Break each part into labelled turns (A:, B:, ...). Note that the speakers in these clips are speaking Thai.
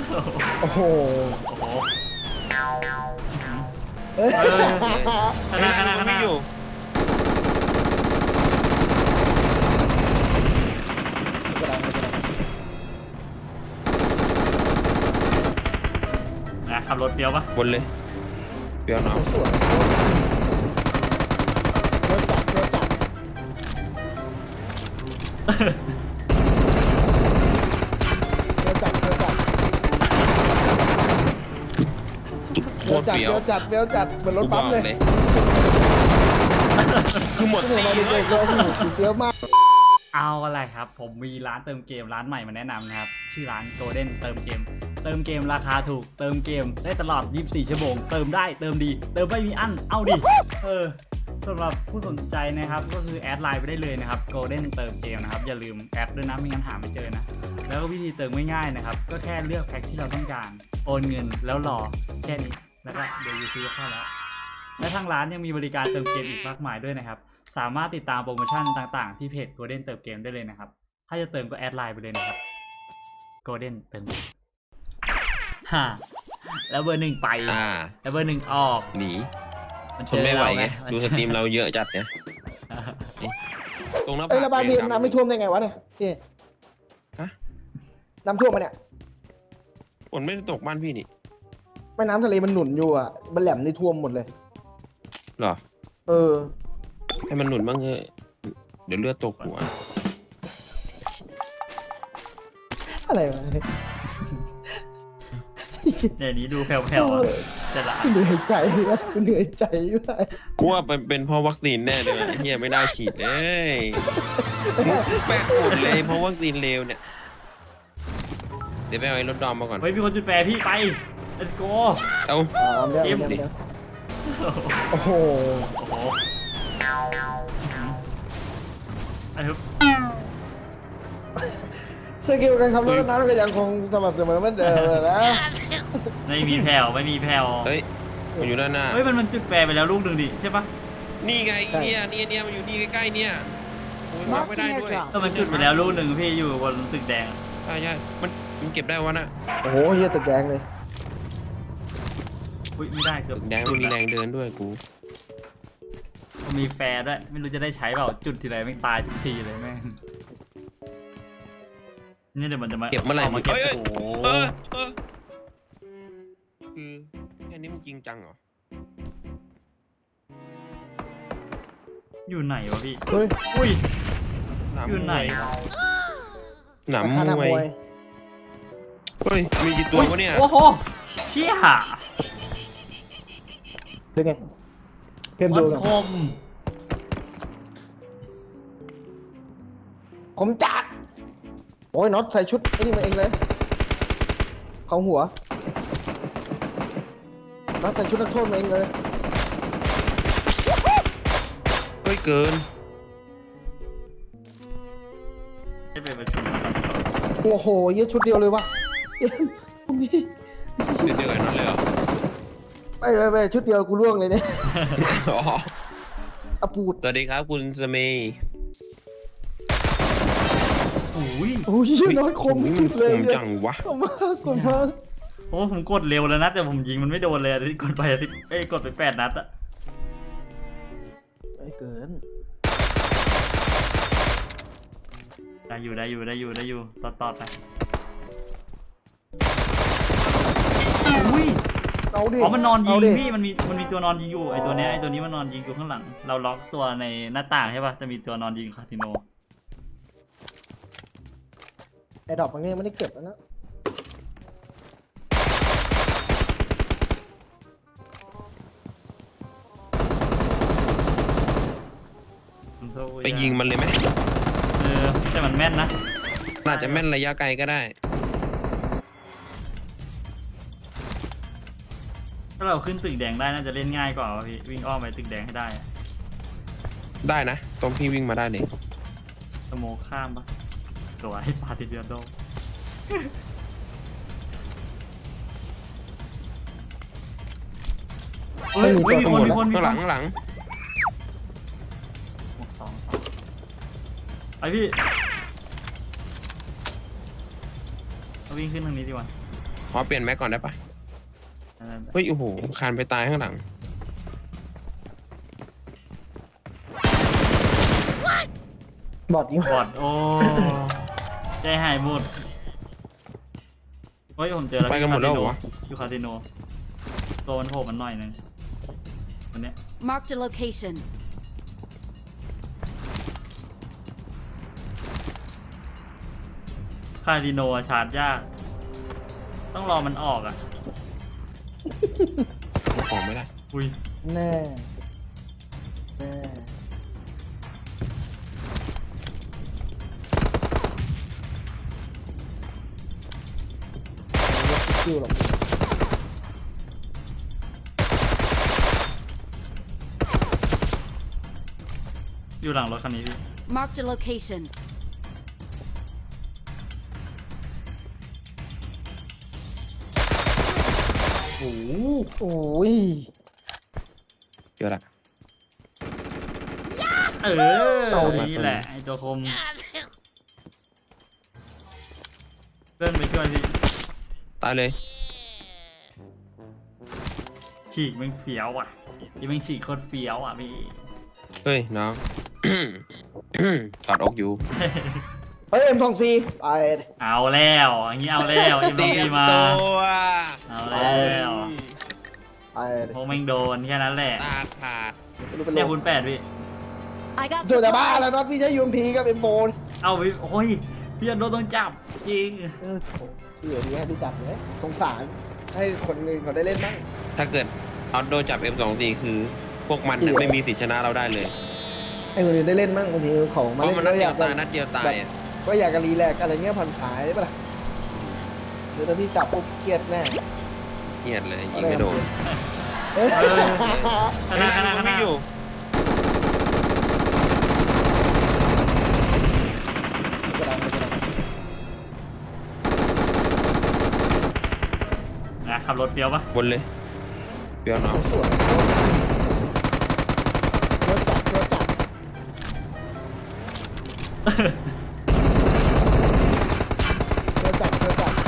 A: โอ้โห
B: ขนาดไม่อยู่
C: ขับรถเปียวปะ
B: บนเลยเปียวน้อง
A: สวยเรือจับ
B: โคตรเปียว
A: เหมือนรถปั๊มเลย
B: คือหมดตีเลย
A: เยอะมาก
C: เอาอะไรครับผมมีร้านเติมเกมร้านใหม่มาแนะนำนะครับชื่อร้าน Golden เติมเกมราคาถูกเติมเกมได้ตลอด24ชั่วโมงเติมได้เติมดีเติมไม่มีอั้นเอาดิสำหรับผู้สนใจนะครับก็คือแอดไลน์ไปได้เลยนะครับ Golden เติมเกมนะครับอย่าลืมแอดด้วยนะไม่งั้นหาไม่เจอนะแล้วก็วิธีเติมง่ายๆนะครับก็แค่เลือกแพ็คที่เราต้องการโอนเงินแล้วรอแค่นี้แล้วก็เดี๋ยวยูซีก็เข้าแล้วและทางร้านยังมีบริการเติมเกมอีกมากมายด้วยนะครับสามารถติดตามโปรโมชั่นต่างๆที่เพจ Golden เติมเกมได้เลยนะครับถ้าจะเติมก็แอดไลน์ไปเลยนะครับ Golden เติมฮ่าแล้วเบอร์ 1ไปแล้วเบอร์ 1ออก
B: หนีทนไม่ไหวไงดูสตรีมเราเยอะจัดเนี่ยตรงหน้าผา
A: ระบายน้ำไม่ท่วมได้ไงวะเนี่ยพี่น้ำท่วมมาเนี่ย
B: ฝนไม่ได้ตกบ้านพี่นี่
A: แม่น้ำทะเลมันหนุนอยู่อ่ะมันแหลมนี่ท่วมหมดเลย
B: หรอให้มันหนุนบ้างเถอะเดี๋ยวเลือดตกหัว
A: อะไรวะ
C: เนี่ยนี้ดูแผ่วๆจะละ
A: เหนื่อยใจนะเหนื่อยใจด้วย
B: กูว่าเป็นเพราะวัคซีนแน่เลยเฮียไม่ได้ฉีดเลยแปลกหมดเลยเพราะวัคซีนเลวเนี่ยเดี๋ยวไปเอาไอ้รถดอมมาก่อน
C: เฮ้ยมีคนจุดแฟร์พี่ไป let's go
B: เอา
A: เกมดิโอ้โหสกิลการขับรถนั้นก็ยังคงสม่ำเสมอเหมือนเดิมนะ
C: ไม่มีแผ่ว
B: เฮ้ยมันอยู่ด้านหน้า
C: เฮ้ยมันจุดแฟร์ไปแล้วลูกหนึ่งดิใช่ปะ
B: นี่ไงเนี่ยมันอยู่นี่ใกล้ๆเนี่ยโอ้ยไม่ได้ด้วย
C: ก็มันจุดไปแล้วลูกหนึ่งพี่อยู่บนตึกแดง
B: ใช่มันเก็บได้วะน่ะ
A: โอ้โหเยอะตึกแดงเลย
C: ไม่ได้เกือบ
B: ตึกแดงมีแรงเดินด้วยกู
C: มีแฟร์ด้วยไม่รู้จะได้ใช้เปล่าจุดทีไรไม่ตายทุกทีเลยแม่งนี่เดี๋ยวมันจะมา
B: เก็บเมื่อไหร่
C: มาเก็บ
B: โอ้โหคือแค่นี้มันจริงจังเหรอ
C: อยู่ไหนวะพี่
A: อุ้ย
C: อยู่ไหน
B: หนามมวยเฮ้ยมีกี่ตัววะเนี่ย
C: โอ้โหเชี่ย
A: เป็นไงเพิ่มดูคมจัดโอ้ยน็อตใส่ชุดไอ้นี่มาเองเลยเขาหัวน็อตใส่ชุดนักโทษมาเองเลย
B: เฮ้ยเกิน
A: โอ้โหเยอะชุดเดียวเลยวะ
B: เดียวกันนั่นเลยเหรอ
A: ไปชุดเดียวกูล่วงเลยเนี่ย
B: อปูดสวัสดีครับคุณสมัย
A: โอ้ยน้อยคมเลย
B: จังวะ
A: คมมาก
C: โอ้ผมกดเร็วแล้วนะแต่ผมยิงมันไม่โดนเลยที่กดไปกดไป8 นัดอะ
A: ไม่เกิน
C: ได้อยู่ต่อไปอุ้ยมันนอนยิงพี่มันมีตัวนอนยิงอยู่ไอตัวนี้มันนอนยิงอยู่ข้างหลังเราล็อกตัวในหน้าต่างใช่ป่ะจะมีตัวนอนยิงคาสิโน
A: ไอ้ดอกมันไม่ได้เก็บแล้วนะ
B: ไปยิงมันเลยไหม
C: แต่มันแม่นนะ
B: น่าจะแม่นระยะไกลก็ได้
C: ถ้าเราขึ้นตึกแดงได้น่าจะเล่นง่ายกว่าพี่วิ่งอ้อมไปตึกแดงให้
B: ได้นะตรงพี่วิ่งมาได้เลย
C: สโมข้ามปะตัวให้ปาติเดียโดเฮ้ยมีคน
B: ข้างหลัง
C: ไอพี่เราวิ่งขึ้นทางนี้ดีกว่า
B: ขอเปลี่ยนแม็กก่อนได้ปะเฮ้ยโอ้โหคานไปตายข้างหลัง
A: บอดยิง
C: บอดโอ้ใจหายหมดเฮ้ยผมเจอแล้ว
B: ไปกันหมดแล้วเหรอวะ
C: อยู่คาสิโนตัวมันโผล่มันหน่อยนึงวันเนี้ย
D: Marked a location.
C: คาสิโนอะชาร์จยาก ต้องรอมันออกอ่ะ
B: ของไม่ได้
C: อุ้ย
A: แน่แน่คิวหรอก
C: อยู่หลังรถคันนี้พี่
D: Marked a location.
C: โอ้โห
A: โอ้ย
B: เจอละ
C: นี่แหละไอตัวคมเลื่อนไปช่วยพี่
B: ตายเลย
C: ฉีกแม่งเฟี้ยวอ่ะยี่แม่งฉีกโคตรเฟี้ยวอ่ะพี่
B: เฮ้ยน้อง กอดอกอยู่
A: เฮ้ย M24 ไป
C: เอาแล้วอย่างนี้เอาแล้วเอ็ม
B: เตรี
C: พี
B: ยม
C: มา
B: ตัว
C: เอาแล้ว
A: ไป
C: พวกแม่งโดนแค่นั้นแหละ
B: ตาขาด
A: ไม่รู้เป็น
C: เนี่ย
A: ล
C: คุ
A: ม
C: ณแปดพี่
D: I got
A: เจอแต่บ้าแล้ว
D: supplies.
A: น็อตพี่ใช้ UMP กับ M4
C: เอาพี่โอ้ยพี่โดนต้องจับจริง
A: เชื่อดีให้พี่จับเลยสงสารให้คนอื่นเขาได้เล่นบ้าง
B: ถ้าเกิดเอาโดนจับ M24 คือ พวกมันน่ะไม่มีสิทธิชนะเราได้เลย
A: ให้คนอื่นได้เล่นบ้างบางทีของ
B: เพ
A: มา
B: ราะ
A: เล่น
B: มันนัด
A: ก็
B: เดี
A: อย ยาว ก
B: ตายนัดเดียวตายอะ
A: ก็อยากจะรีแลกซ์อะไรเงี้ยผ่อนคลายได้ปะล่ะเดี๋ยวถ้าพี่จับปุ๊บเครียดแน่
B: เหี้ยดเลยยิงไม่โดน
A: เอ้ย
C: ขนาดขนาดข
B: มัน
C: นา
B: ไม่
C: ด
B: อยู่
C: นะขับรถเฟี้ยวปะ
B: บนเลยเปียวน้อง
A: สวยเชื่อจับเชื่อจับเชื่อจับเชื่อจับ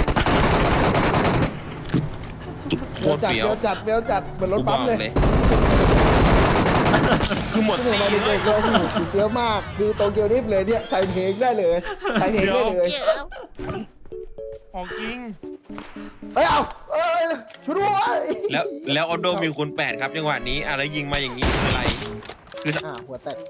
B: โค
A: เชื่อ
B: ตร
A: จับ
B: เปียว
A: เชื่อจับเชื่อจับเหมือนรถ
B: กูบ
A: ปั๊ม
B: อก
A: เลย
B: เลยคือหมด
A: ที่
B: ตี
A: ผมมา
B: เล
A: เด็
B: ย
A: กๆเราเชื่อมากคือโตเกียวนิฟเลยเนี่ยใส่เพลงได้เลยใส่เพลงได้เลย
B: ของจริง
A: เอ้ยเอาเอ้ยช่วยด้วย
B: แล้วออโดมีคูณ8ครับจังหวะนี้อะไรยิงมาอย่างนี้คืออะไรคือ
A: หัวแตก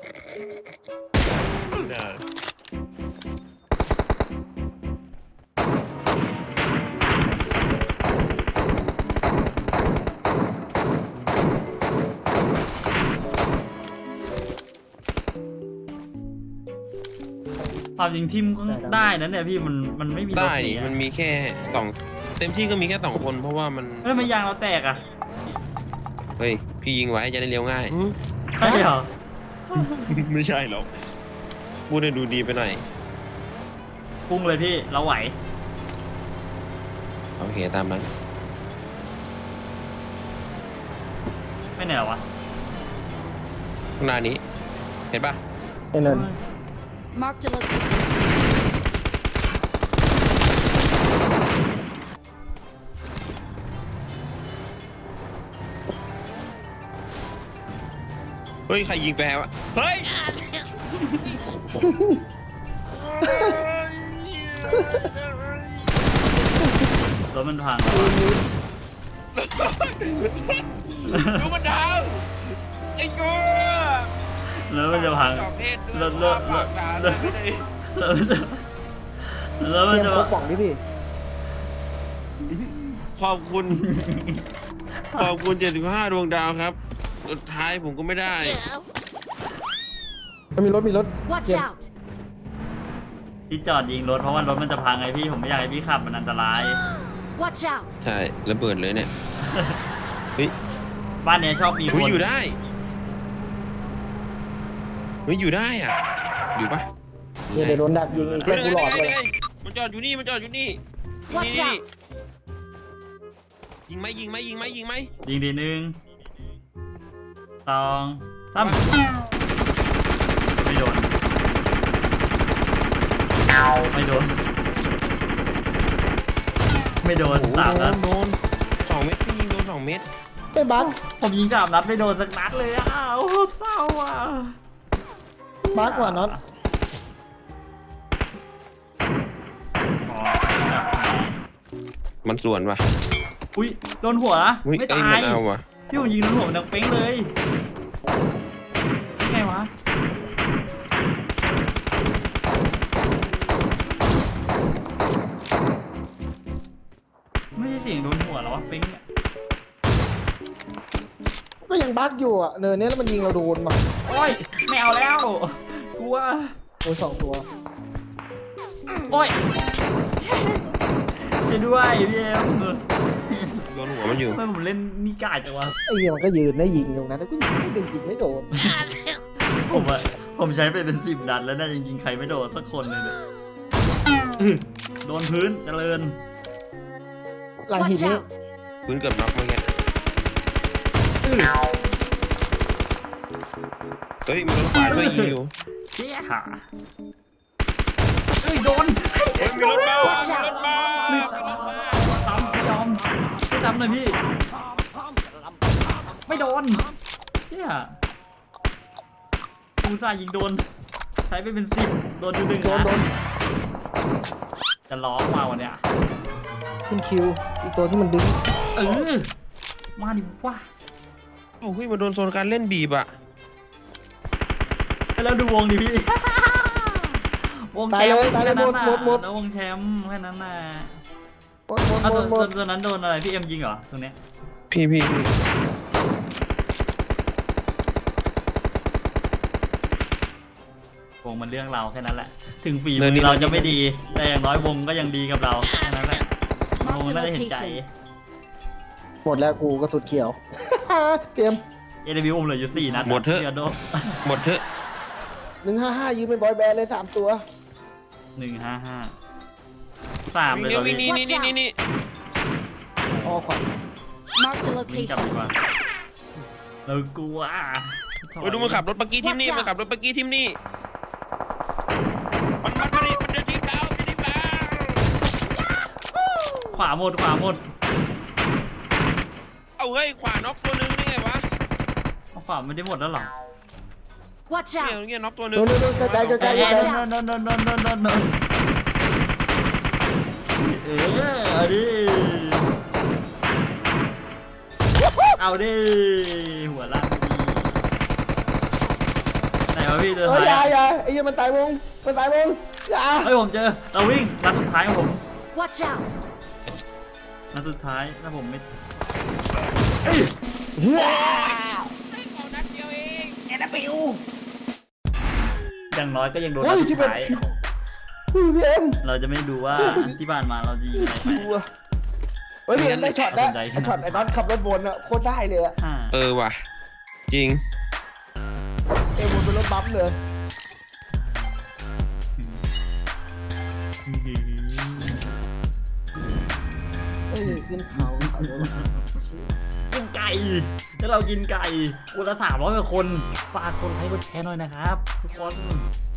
C: ความยิงทิมก็ได้นะเนี่ยพี่มันไม่มีรถ
B: ได้
C: หนี
B: นี่
C: อะ
B: มันมีแค่สองเต็มที่ก็มีแค่2 คนเพราะว่ามัน
C: เฮ้ยมันยางเราแตกอ่ะ
B: เฮ้ยพี่ยิงไว้จะได้เลี้ยวง่าย
C: ใช่เหรอ
B: ไม่ใช่หรอกพูดให้ดูดีไปหน่อย
C: พุ่งเลยพี่เราไหว
B: โอเคตามนั้น
C: ไม่เหนื่อยวะ
B: ข้างหน้านี้ เห็นปะ
A: ไอ้นั่น
D: Marked a location.
B: เฮ้ยใครยิงแปรวะเฮ้ย
C: รถมันพัง
B: ดูมันดาวไอ้กู
C: แล้วมันจะพัง
B: ประเภท
C: รถ
B: ปากด่าเลยไม่ได้
C: แล้วมัน
A: เตรียม
C: จะ
A: พกป่องดิพี่
B: ขอบคุณ ขอบคุณ75 ดวงดาวครับ สุดท้ายผมก็ไม่ได้
A: มันมีรถ
D: Watch
A: เตรียม
D: out.
C: ที่จอดยิงรถเพราะว่ารถมันจะพังไงพี่ผมไม่อยากให้พี่ขับมันอันตราย
D: Watch out.
B: ใช่ระเบิดเลยเนี่ย เฮ้ย
C: บ้านเนี้ยชอบมีค
B: เฮ้ย
C: น
B: อยู่ได้เฮ้ยอยู่ได้อ่ะ อยู่ปะ
A: เดี๋ยวโดนดักยิงอีก
B: เฮ้
A: เพื่
B: ย
A: อนกูหลอดเลย
B: มันจอดอยู่นี่มันจอดอยู่นี่
D: Watch
B: นี่
D: out.
B: ยิงไหมยิงไหมยิงไหมยิงไหม
C: ยิงดี1 2 3ไม่โดนไม่โดนไม่โดน
B: โอ้โห
C: 3 นัด
B: โดน2 เม็ดพี่ยิงโดน2 เม็ด
A: ไม่บัก
C: ผมยิง3 นัดไม่โดนสักนัดเลยอ่ะโอ้โหเศร้าอ่ะ
A: บักกว่าน็อต
C: อ๋อ
B: มันส่วนว่ะ
C: อุ้ยโดนหัวนะ
B: อุ้ย
C: ไม่
B: เอ้
C: ตาย ย
B: มันเอาว่ะ
C: พี่ผมยิงโดนหัวมันดังเป้งเลยไงวะไม่ใช่เสียงโดนหัวแล้ววะเป้งเนี่ย
A: ก็ยังบักอยู่อ่ะเนินเนี้ยแล้วมันยิงเราโดนมา
C: โอ้ยไม่เอาแล้วกลัว
A: โอ้ย2 ตัว
C: โอ้ยจะด้วยพี่เอ็ม
B: โดนหัวมันอยู่
C: ทำไมผมเล่นนี่กาดจังวะ
A: ไอ้เหี้ยมันก็ยืนได้ยิงตรงนั้นแล้วก็ยิงไม่โดนยิงไม่โดน
C: ผมใช้ไปเป็น10 นัดแล้วนะจริงๆใครไม่โดนสักคนเลยเนี่ยโดนพื้นเจริญ
A: หลังหิน
D: Watch
A: นี่
D: out!
B: พื้นเกือบน็อกเมื่อกี้เฮ้ยมีรถขวาด้วยยิงอยู่
C: เจี๊ยหาเอ้ยโดน
B: เฮ้ยมีรถมา
D: Watch out!
C: ไม่ซ้ำไม่ยอมไม่ซ้ำเลยพี่ ไม่โดนเจี๊ยกูซ่าห์ยิงโดน ใช้ไปเป็น10โดนอยู่1
A: โดน
C: นะจะร้องมาวันเนี้ย
A: ขึ้นคิวอีกตัวที่มันดึง
C: เออมาดิว่า
B: โอ้ยมาโดนโซนการเล่นบีบอ่ะ
C: แล้วดูวงดิพี่ วงแชมป์แค่นั้นน่ะแล้ววงแชมป์แค่นั้นน่ะ
A: หมดหมด
C: เอา
A: หมดหมด
C: ตัวนั้นโดนอะไรพี่เอ็มยิงเหรอตรงเนี้ย
B: พี่
C: วงมันเรื่องเราแค่นั้นแหละ ถึงฝีมือเราจะไม่ดี แต่อย่างน้อยวงก็ยังดีกับเราแค่นั้นแหละวงน่าจะเห็นใจ
A: หมดแล้วกูก็สุดเขียว เตรียม
C: AW ผมเหลืออยู่4 นัด
B: หมดเถอะ
C: ดี๋ยวโดน
B: หมดเถอะ
A: 155ยืมเป็นบอยแบนด์เลย3 ตัว
C: 155 3เลย
B: เดี๋
C: ต
B: ย
C: อ
B: วน วิ่ง
C: นี้
B: นี่
A: ออขวัญ
D: Marked a
C: วิ่งกลับ
D: location.
C: ดีกว่าเรากลัว
B: โอ้ยดูมันขับรถปักกี้ทีมนี่
D: Watch out
B: มันขับรถปักกี้ทีมนี่มันมาดิมันจะทีมเราจะทีมเรา
C: ขวาหมด
B: เอาเฮ้ยขวาน็อกตัวนึงนี่ไงวะ
C: ขวาไม่ได้หมดแล้วเหรอ
D: Watch
B: เนี่ย
D: out!
B: เนี่ยน็อกตัวนึง
A: โดนกระจาย
C: นนเอาดิเอาดิหัวล้านไหนวะพี่เจอ
A: เฮ้ย
C: ท้าย
A: อย่าไอ้เหี้ยมันตายวงอย่า
C: เฮ้ยผมเจอเราวิ่งนัดสุดท้ายของผม
D: Watch out!
C: นัดสุดท้ายถ้าผมไม่
A: เฮ้ย
C: อย่างน้อยก็ยังโดน
A: เฮ้
C: นั
A: ย
C: ดสุ
A: ที่
C: ด
A: เป็น
C: ท้าย
A: พี่เอ็ม
C: เราจะไม่ดูว่าที่ผ่านมาเราจะยิงอะไรไป
A: ดูอะเฮ้ยพี่เอ็มได้ช็อตแล้ว
C: สนใจ
A: ไอ้ช็อตไอ้น็อตขับรถวนอะโคตรได้เลยอะ
C: ห้า
B: เออว่ะจริง
A: เอ็มวนเป็นรถบัมป์เลย เฮ้ยขึ้นเขาเดี๋ยว
C: กินไก่ถ้าเรากินไก่คนละ300 กว่าคนฝากกดไลค์กดแชร์หน่อยนะครับทุกคน